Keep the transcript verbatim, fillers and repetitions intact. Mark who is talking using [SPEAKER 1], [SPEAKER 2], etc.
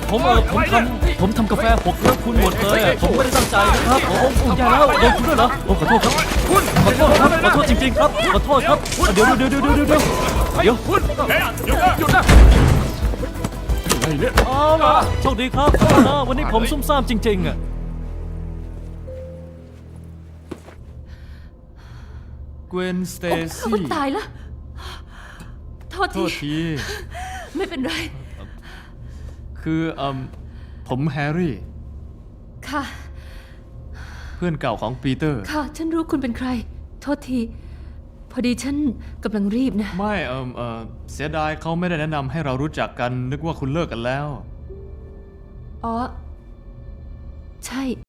[SPEAKER 1] ผมเออผมทำผมทำกาแฟหกแล้วคุณหมดเลยผมไม่ได้ตั้งใจนะครับโอ้โหอย่าแล้วโดนคุณด้วยเหรอโอ้ขอโทษครับขอโทษครับขอโทษจริงๆครับขอโทษครับเดี๋ยวเดี๋ยวเดี๋ยวเดี๋ยวเดี๋ยวเดี๋ยวเดี๋ยว
[SPEAKER 2] คุณเฮ้ยหยุดนะหยุดนะไอ้เนี่ย
[SPEAKER 1] เอาล่ะโชคดีครับนะวันนี้ผมซุ่มซ่ามจริงๆอ่ะเกวนสเต
[SPEAKER 3] โอ้
[SPEAKER 1] ซี่
[SPEAKER 3] ตายแล้วโทษ
[SPEAKER 1] โท
[SPEAKER 3] ที
[SPEAKER 1] ษที
[SPEAKER 3] ไม่เป็นไร
[SPEAKER 1] คือเอ่มผมแฮร์รี่
[SPEAKER 3] ค่ะ
[SPEAKER 1] เพื่อนเก่าของปีเตอร์
[SPEAKER 3] ค่ะ ฉันรู้คุณเป็นใคร โทษที พอดีฉันกำลังรีบนะ
[SPEAKER 1] ไม่เอ่มเอ่อเสียดายเขาไม่ได้แนะนำให้เรารู้จักกันนึกว่าคุณเลิกกันแล้ว
[SPEAKER 3] อ๋อ ใช่